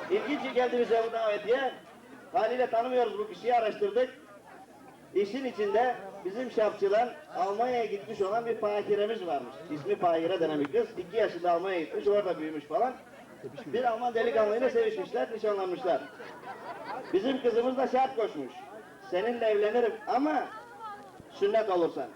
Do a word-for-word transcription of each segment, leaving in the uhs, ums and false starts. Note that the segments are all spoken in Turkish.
İlginç geldi bize bu davetiye. Haliyle tanımıyoruz bu kişiyi, araştırdık. İşin içinde bizim şapçıdan Almanya'ya gitmiş olan bir fakiremiz varmış. İsmi Fakire denen bir kız. İki yaşında Almanya'ya gitmiş, orada büyümüş falan. Bir Alman delikanlıyla sevişmişler, nişanlanmışlar. Bizim kızımız da şart koşmuş. Seninle evlenirim ama sünnet olursan.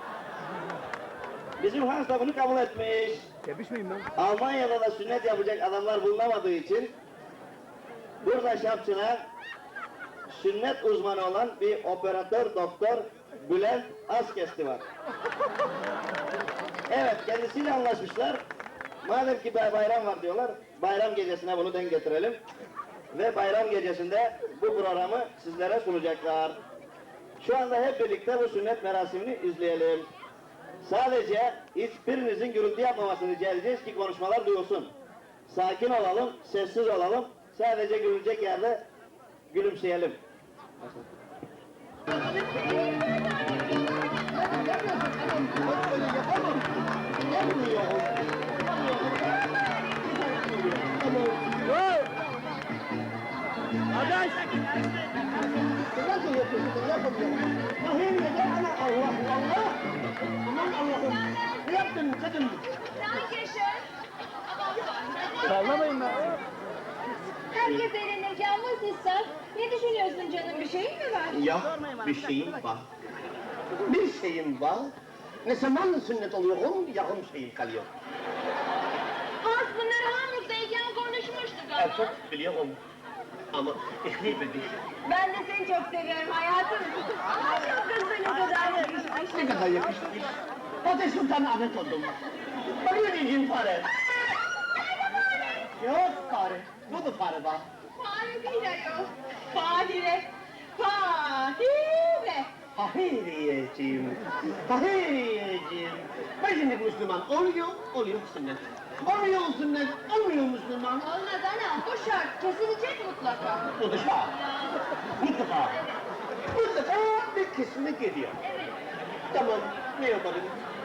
Bizim Hans da bunu kabul etmiş. Tepiş miyim ben? Almanya'da da sünnet yapacak adamlar bulunamadığı için burada şapçına sünnet uzmanı olan bir operatör doktor Bülent Askesti var. Evet, kendisiyle anlaşmışlar. Madem ki bayram var diyorlar, bayram gecesine bunu denk getirelim. Ve bayram gecesinde bu programı sizlere sunacaklar. Şu anda hep birlikte bu sünnet merasimini izleyelim. Sadece hiçbirinizin gürültü yapmamasını rica edeceğiz ki konuşmalar duyulsun. Sakin olalım, sessiz olalım. Sadece gülünecek yerde gülümseyelim. Adaş! Nasıl yapıyorsun? Yapamıyorum. Mahir neden ana Allah Allah? Aman Allah'ım. Ne yaptın kadın? Sallamayın be! Herkes eğlenirken vasıfsız. Ne düşünüyorsun canım, bir şeyin mi var? Ya bir şeyim var. Bir şeyim var. Ne zaman sünnet oluyorum, yarım şeyim kalıyor. Hans bunları Hamburg'dayken konuşmuştuk ama. Evet, biliyorum. Ama ich liebe dich. Ben de seni çok seviyorum hayatım. Ay çok kız ne kadar yakışmış. Ne kadar yakışmış. Fatih Sultan Ahmet oldum. Arıyor diyeceğim fare. Yok fare. Bu da fare var. Fare değil ayol. Fahire. Fahire. Fahiriyeciğim. Fahiriyeciğim. Ben şimdi Müslüman oluyor, oluyor sünnet. Oluyor sünnet, olmuyor Müslüman. Olmaz anam, bu şart kesilecek mutlaka. Bu da şart. Mutlaka. Mutlaka bir kısmı geliyor. Evet. Tamam, ne yapalım?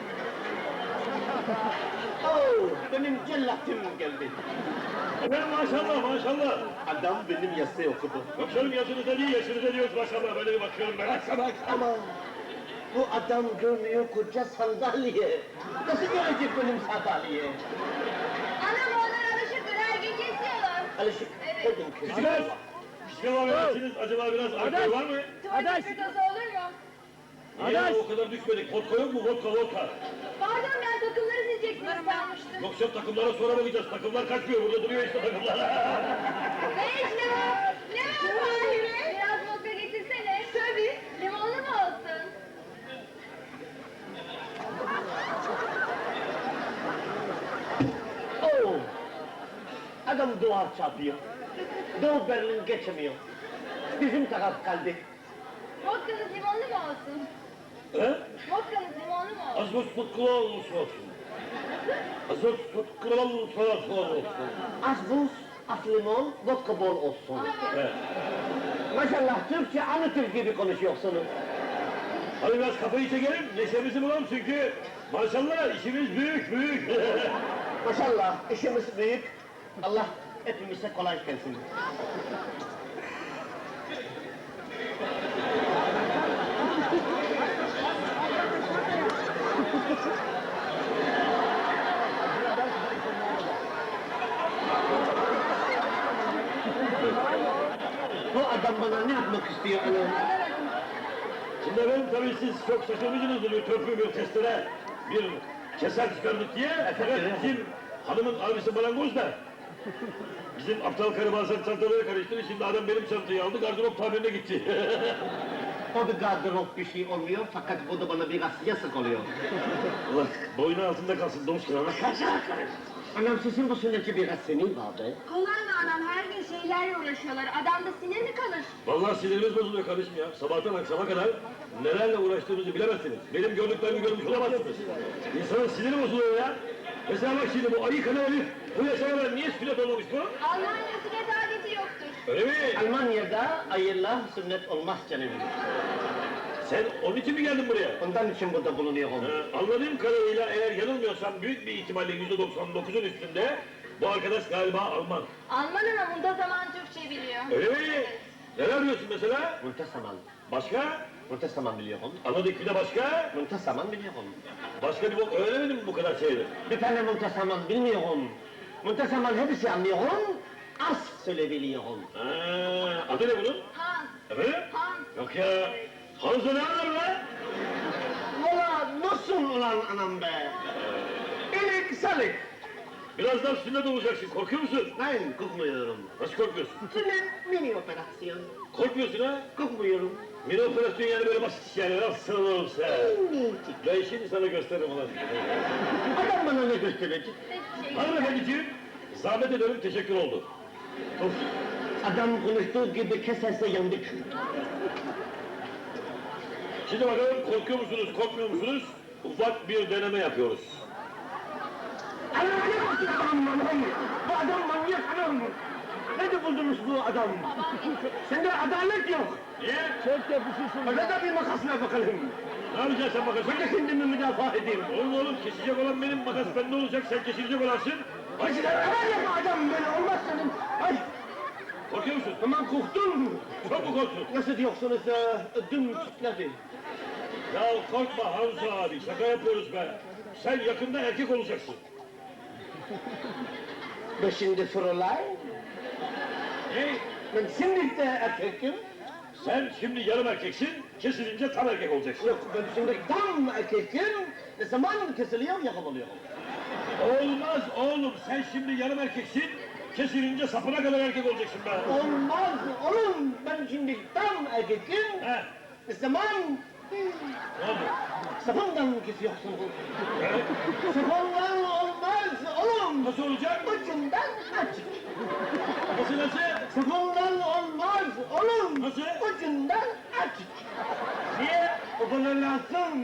Oh, benim cellatım geldi. Efendim maşallah maşallah. Adam benim yasayı okudu. Yok canım yaşınıza değil yaşınıza diyoruz maşallah böyle bir bakıyorum ben. Baksana. Ama bu adam görmüyor koca sandalye. Nasıl görecek benim sandalye? Anam onlar alışıktır, her gün kesiyorlar. Alışık Evet. oldum kız. Küçükler. Pişman versiniz acaba biraz alkol var mı? Tuvalet Adaş! fırtası olur mu? Niye Adaş! o kadar düşmedik? Vodka yok mu? Vodka vodka. Pardon ben takımları sileceksiniz sanmıştım. Yok canım takımlara sonra bakacağız. Takımlar kaçmıyor burada duruyor işte takımlar. Ne iş ne var? Ne var Fahire? Biraz vodka getirsene. Tabii. Limonlu mu olsun? Oh! Adam duvar çarpıyor. Doğu Berlin geçemiyor. Bizim taraf kaldı. Vodkanız limonlu mu olsun? He? Vodkanız limonlu mu olsun? Az buz tutkulu olsun. Az buz tutkulu olsun. Az buz, az limon, vodka bol olsun. Evet. Maşallah Türkçe anlatır gibi konuşuyorsunuz. Hadi biraz kafayı çekelim, neşemizi bulalım çünkü maşallah işimiz büyük büyük. Maşallah işimiz büyük. Allah hepimize kolay gelsin. Bu adam bana ne yapmak istiyor anam? Şimdi efendim tabii siz çok şaşırmışsınızdır bir törpü bir testere bir keser çıkardık diye. Fakat bizim hanımın abisi marangoz da bizim aptal karı bazen çantaları karıştırdı. Şimdi adam benim çantayı aldı gardırop tamirine gitti. O da gardırop bir şey olmuyor fakat bu da bana biraz yasak oluyor. Allah boynu altında kalsın domuz kırana. Anam sizin bu sünnetçi biraz senin vardı. Kolay mı anam? Her gün şeylerle uğraşıyorlar. Adamda sinir mi kalır? Vallahi sinirimiz bozuluyor kardeşim ya. Sabahtan akşama kadar nelerle uğraştığımızı bilemezsiniz. Benim gördüklerimi görmüş olamazsınız. İnsanın siniri bozuluyor ya. Mesela bak şimdi bu ayı kanı herif bu yaşama kadar niye sünnet olmamış bu? Almanya sünnet adeti yoktur. Öyle mi? Almanya'da ayırla sünnet olmaz canım. Sen onun için mi geldin buraya? Ondan için burada bulunuyorum. Ee, anladığım kadarıyla eğer yanılmıyorsam büyük bir ihtimalle yüzde doksan dokuzun üstünde Bu arkadaş galiba Alman. Alman ama muntazaman Türkçe biliyor. Öyle mi? Neler diyorsun mesela? Muntasaman. Başka? Muntasaman biliyorum. Anladık bir de başka? Muntasaman biliyorum. Başka bir bok öğrenemedin mi bu kadar şeyleri? Bir tane muntasaman bilmiyorum. Muntasaman hepsi anlıyorum. Az söyleyebiliyorum. Ha, adı ne bunun? Hans, Efendim? Hans. Yok ya. Hanzo ne anlar lan? Valla nasıl ulan anam be? İlik salik. Birazdan sünnet olacaksın, korkuyor musun? Nein, korkmuyorum. Nasıl korkuyorsun? Sünnet mini operasyon. Korkmuyorsun ha? Korkmuyorum. Mini operasyon yani böyle basit iş yani, nasıl olsa. Minicik. Ben şimdi sana gösteririm ulan. Adam bana ne gösterecek? Şey, Hanımefendiciğim, zahmet ederim, teşekkür oldu. Of. Adam konuştuğu gibi keserse yandık. Şimdi bakalım korkuyor musunuz, korkmuyor musunuz? Ufak bir deneme yapıyoruz. Allah ne bakıyor adam manyak? Bu adam manyak adam. Nerede buldunuz bu adam? Sende adalet yok. Niye? Çok yapışırsın. Öyle de bir makasına bakalım. Ne yapacaksın sen makasını? Ben de kendimi müdafaa edeyim. Oğlum oğlum, kesecek olan benim, makas bende olacak, sen kesilecek olansın. Başına neler yapma adam böyle olmaz senin. Ay Korkuyor musun? tamam korktum. Çok mu korktun? Nasıl diyorsunuz e, ödüm titredi. Ya korkma Hamza abi, şaka yapıyoruz be. Sen yakında erkek olacaksın. Ben şimdi Fräulein. Ne? Ben şimdi de erkekim. Sen şimdi yarım erkeksin, kesilince tam erkek olacaksın. Yok ben şimdi tam erkekim. Ne zaman kesiliyor yapamıyor. Olmaz oğlum, sen şimdi yarım erkeksin, kesilince sapına kadar erkek olacaksın be. Olmaz oğlum ben şimdi tam erkekim. He, Ne zaman ne oldu? sapından kesiyorsun. He? Sapından olmaz oğlum. Nasıl olacak? Ucundan aç. Nasıl nasıl? Sapından olmaz oğlum. Nasıl? Ucundan aç. Niye? O bana lazım.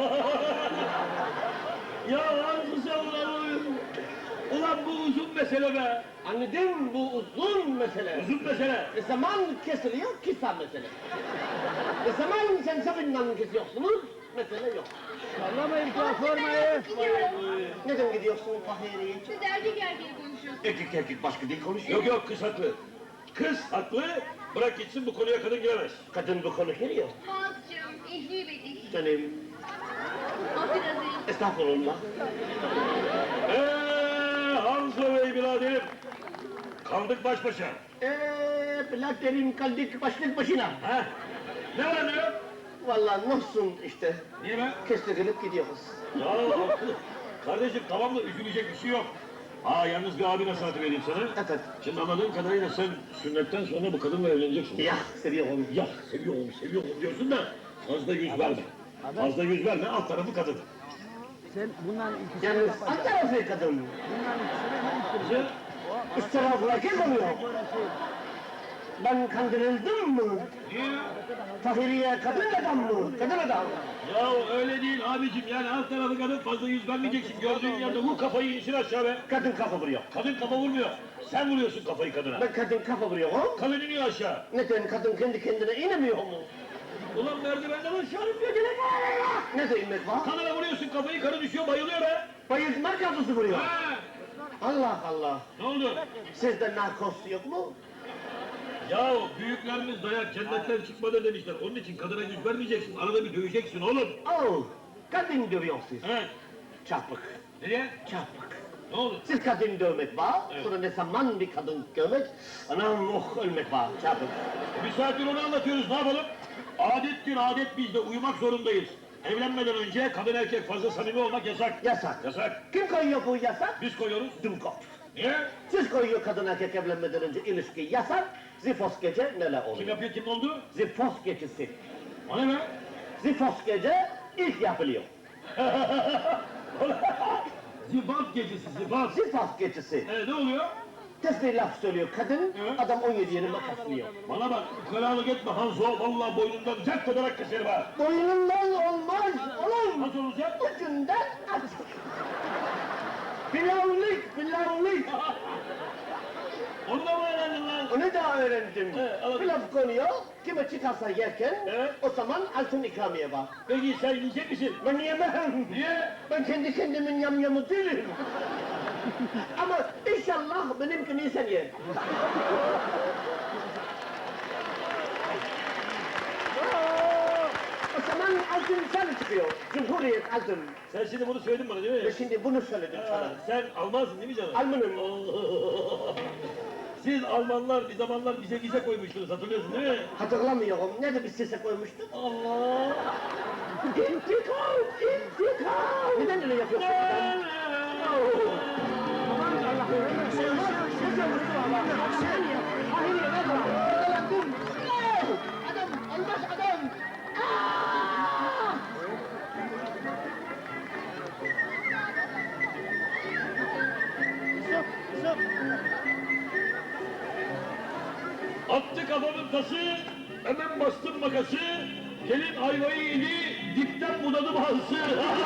Ya Hamza sen ulan, ulan bu uzun mesele be. Anladım bu uzun mesele. Uzun mesele. Ne zaman kesiliyor kısa mesele. Ne zaman sen sapından kesiyorsunuz mesele yok. Sallamayın platformayı. Gidiyorum. Neden gidiyorsun Fahriye'ye? Siz erkek erkeğe konuşuyorsunuz. Erkek erkek başka dil konuşuyor. Yok yok, kız haklı. Kız haklı, bırak gitsin, bu konuya kadın giremez. Kadın bu konu geliyor. Hans'cığım, ihli bedik. Canım Afirazim. estağfurullah. Eee Hamza Bey biraderim, kaldık baş başa. Eee biraderim kaldık başlık başına. Ha? Ne var ne yok? Vallahi nasılsın işte. Niye be? Kestirip gidiyoruz. Ya haklı. Kardeşim tamam da üzülecek bir şey yok. Aa yalnız bir abi nasihatı vereyim sana. Evet. Şimdi anladığım kadarıyla sen sünnetten sonra bu kadınla evleneceksin. Ya seviyorum. Ya seviyorum seviyorum diyorsun da fazla yüz verme. Fazla yüz verme, alt tarafı kadın. Sen bundan ikisini Yalnız yapacaksın. alt tarafı kadın. Bundan ikisini ben Güzel. Üst tarafı erkek oluyor. Ben kandırıldım mı? Niye? Fahriye kadın adam mı? Kadın adam. Ya öyle değil abicim, yani alt tarafı kadın, fazla yüz vermeyeceksin. Gördüğün yerde vur kafayı, insin aşağı be. Kadın kafa vuruyor. Kadın kafa vurmuyor. Sen vuruyorsun kafayı kadına. Ben kadın kafa vuruyorum. Kadın iniyor aşağı. Neden kadın kendi kendine inemiyor mu? Ulan merdivenden aşağı iniyor gene. Ne demek var? Kadına vuruyorsun kafayı, karı düşüyor, bayılıyor be. Bayıltma kafası vuruyor. Ha! Allah Allah. Ne oldu? Sizde narkoz yok mu? Ya büyüklerimiz dayak cennetten çıkmadı demişler. Onun için kadına yüz vermeyeceksin. Arada bir döveceksin oğlum. Oh, kadın dövüyor siz. He. Çarpık, Nereye? çarpık. Ne oldu? Siz kadın dövmek var, Evet. sonra ne zaman bir kadın dövmek, anam oh ölmek var, çarpık. Bir saattir onu anlatıyoruz. Ne yapalım? Adettir adet, bizde uyumak zorundayız. Evlenmeden önce kadın erkek fazla samimi olmak yasak. Yasak. Yasak. Kim koyuyor bu yasak? Biz koyuyoruz. Dumkop. Niye? Siz koyuyor kadın erkek evlenmeden önce ilişki yasak, zifos gece neler Kim oluyor? yapıyor, kim oldu? Zifos gecesi. O ne be? Zifos gece ilk yapılıyor. Zifaf gecesi, zifaf. Zifos gecesi. Ee, ne oluyor? Tesbih laf söylüyor kadın, Evet. adam on yedi yeni makaslıyor. Bana bak, ukalalık etme Hanzo. Vallahi boynundan zert ederek keserim ha. Boynundan olmaz oğlum. Nasıl olacak? Ucundan aç. Pilavlık, pilavlık. Onu da mı öğrendin lan? Onu da öğrendim. Evet, anladım. Pilav konuyor, kime çıkarsa yerken, Evet. o zaman altın ikramiye var. Peki sen yiyecek misin? Ben yemem. Niye? Ben kendi kendimin yamyamı değilim. Ama inşallah benimkini sen ye. O zaman altın sen çıkıyor. Cumhuriyet altın. Sen şimdi bunu söyledin bana değil mi? Ve şimdi bunu söyledim sana. Ha, sen Almansın değil mi canım? Almanım. Siz Almanlar bir zamanlar bize vize koymuştunuz hatırlıyorsun değil mi? Hatırlamıyorum. Ne de biz size koymuştuk? Allah! İntikam! İntikam! Neden öyle yapıyorsun? Aman Allah'ım! Sözü Mustafa! Hayır ya ne var? Yakalandım! Adam! Olmaz adam! Aa! Yusuf, Yusuf. Attı kafamın tası, hemen bastım makası, gelin ayvayı yedi, dipten budadı bazısı.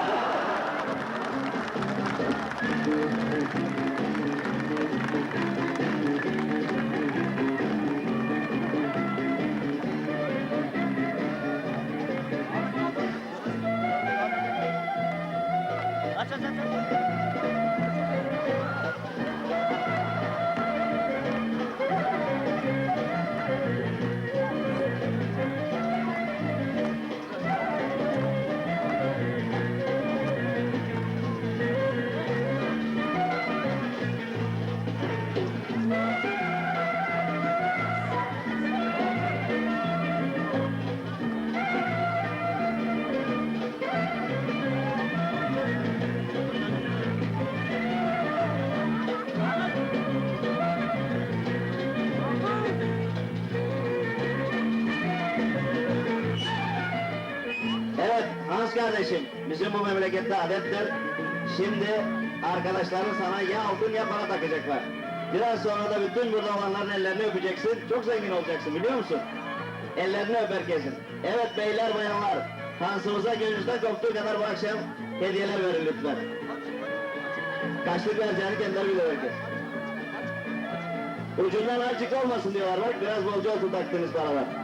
Aç aç aç. aç. Evet Hans kardeşim, bizim bu memlekette adettir. Şimdi arkadaşların sana ya altın ya para takacaklar. Biraz sonra da bütün burada olanların ellerini öpeceksin. Çok zengin olacaksın biliyor musun? Ellerini öp herkesin. Evet beyler bayanlar, Hans'ımıza gönlünüzden koptuğu kadar bu akşam hediyeler verin lütfen. Kaçlık vereceğini kendileri bilir herkes. Ucundan azıcık olmasın diyorlar bak, biraz bolca olsun taktığınız paralar.